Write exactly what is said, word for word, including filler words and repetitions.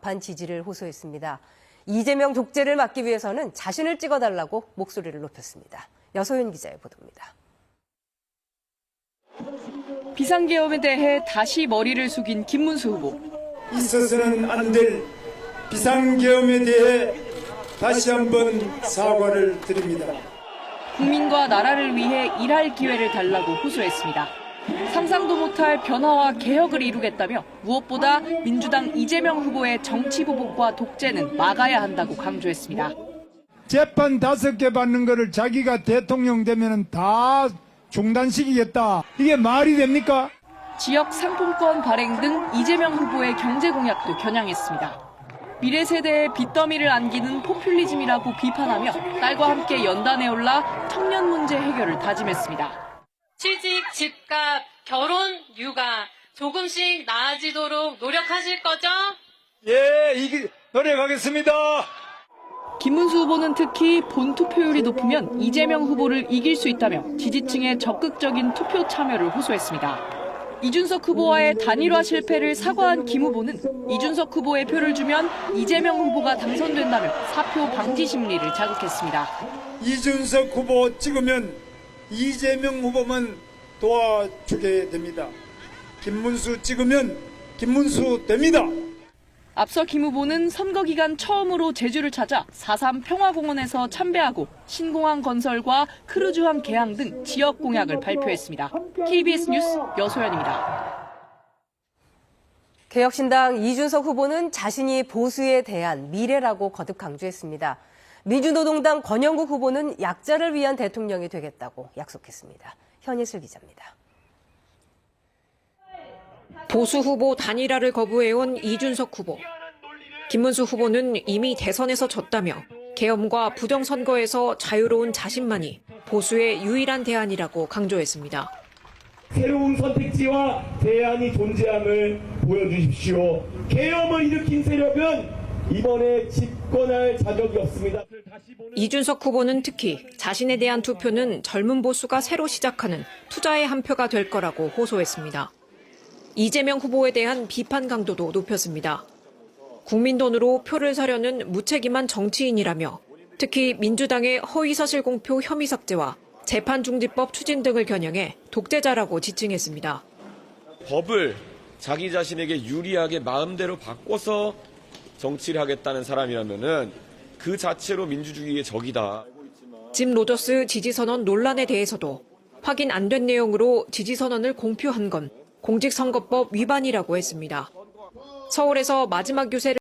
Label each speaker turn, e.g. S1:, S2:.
S1: 막판 지지를 호소했습니다. 이재명 독재를 막기 위해서는 자신을 찍어달라고 목소리를 높였습니다. 여소연 기자의 보도입니다.
S2: 비상계엄에 대해 다시 머리를 숙인 김문수 후보.
S3: 있어서는 안 될 비상계엄에 대해 다시 한번 사과를 드립니다.
S2: 국민과 나라를 위해 일할 기회를 달라고 호소했습니다. 상상도 못할 변화와 개혁을 이루겠다며 무엇보다 민주당 이재명 후보의 정치 보복과 독재는 막아야 한다고 강조했습니다.
S3: 재판 다섯 개 받는 거를 자기가 대통령 되면 다 중단시키겠다. 이게 말이 됩니까?
S2: 지역 상품권 발행 등 이재명 후보의 경제 공약도 겨냥했습니다. 미래 세대의 빚더미를 안기는 포퓰리즘이라고 비판하며 딸과 함께 연단에 올라 청년 문제 해결을 다짐했습니다.
S4: 취직, 집값, 결혼, 육아 조금씩 나아지도록 노력하실 거죠?
S3: 예, 이기, 노력하겠습니다.
S2: 김문수 후보는 특히 본 투표율이 높으면 이재명 후보를 이길 수 있다며 지지층의 적극적인 투표 참여를 호소했습니다. 이준석 후보와의 단일화 실패를 사과한 김 후보는 이준석 후보의 표를 주면 이재명 후보가 당선된다며 사표 방지 심리를 자극했습니다.
S3: 이준석 후보 찍으면 이재명 후보만 도와주게 됩니다. 김문수 찍으면 김문수 됩니다.
S2: 앞서 김 후보는 선거 기간 처음으로 제주를 찾아 사삼 평화공원에서 참배하고 신공항 건설과 크루즈함 개항 등 지역 공약을 발표했습니다. 케이비에스 뉴스 여소연입니다.
S1: 개혁신당 이준석 후보는 자신이 보수에 대한 미래라고 거듭 강조했습니다. 민주노동당 권영국 후보는 약자를 위한 대통령이 되겠다고 약속했습니다. 현예슬 기자입니다.
S5: 보수 후보 단일화를 거부해온 이준석 후보. 김문수 후보는 이미 대선에서 졌다며 계엄과 부정선거에서 자유로운 자신만이 보수의 유일한 대안이라고 강조했습니다.
S6: 새로운 선택지와 대안이 존재함을 보여주십시오. 계엄을 일으킨 세력은 이번에 집권할 자격이 없습니다.
S5: 이준석 후보는 특히 자신에 대한 투표는 젊은 보수가 새로 시작하는 투자의 한 표가 될 거라고 호소했습니다. 이재명 후보에 대한 비판 강도도 높였습니다. 국민 돈으로 표를 사려는 무책임한 정치인이라며 특히 민주당의 허위사실 공표 혐의 삭제와 재판중지법 추진 등을 겨냥해 독재자라고 지칭했습니다.
S7: 법을 자기 자신에게 유리하게 마음대로 바꿔서 정치를 하겠다는 사람이라면은 그 자체로 민주주의의 적이다.
S5: 짐 로저스 지지선언 논란에 대해서도 확인 안 된 내용으로 지지선언을 공표한 건 공직선거법 위반이라고 했습니다. 서울에서 마지막 유세를